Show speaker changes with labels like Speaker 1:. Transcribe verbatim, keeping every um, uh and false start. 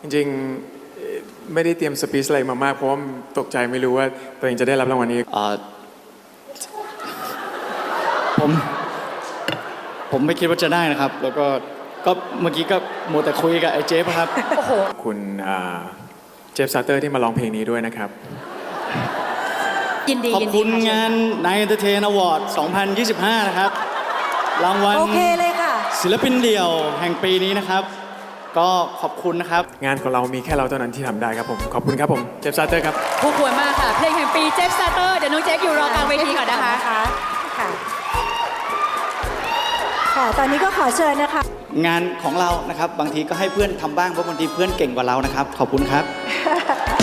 Speaker 1: จริงๆไม่ได้เตรียมสปีชอะไรมามากเพราะว่าตกใจไม่รู้ว่าตัวเองจะได้รับรางวัลนี้
Speaker 2: ผมผมไม่คิดว่าจะได้นะครับแล้วก็ก็เมื่อกี้ก็มัวแต่คุยกับไอ้เจฟครับ
Speaker 3: โอ้โห
Speaker 1: คุณเจฟซาเตอร์ที่มาร้องเพลงนี้ด้วยนะครับ
Speaker 3: ยินดี
Speaker 2: ขอบคุณงาน Night Entertain Award สองพันยี่สิบห้า นะครับรางวัล
Speaker 3: โอเคเลยค่ะ
Speaker 2: ศิลปินเดี่ยวแห่งปีนี้นะครับก็ขอบคุณนะครับ
Speaker 1: งานของเรามีแค่เราเท่านั้นที่ทำได้ครับผมขอบคุณครับผมเจฟซาเตอร์ครับ
Speaker 3: ผู้ควรมากค่ะเพลงแห่งปีเจฟซาเตอร์เดี๋ยวน้องเจฟอยู่รอกลางเวทีก่อนนะคะ
Speaker 4: ค่ะค่ะตอนนี้ก็ขอเชิญนะคะ
Speaker 2: งานของเรานะครับบางทีก็ให้เพื่อนทำบ้างเพราะบางทีเพื่อนเก่งกว่าเรานะครับขอบคุณครับ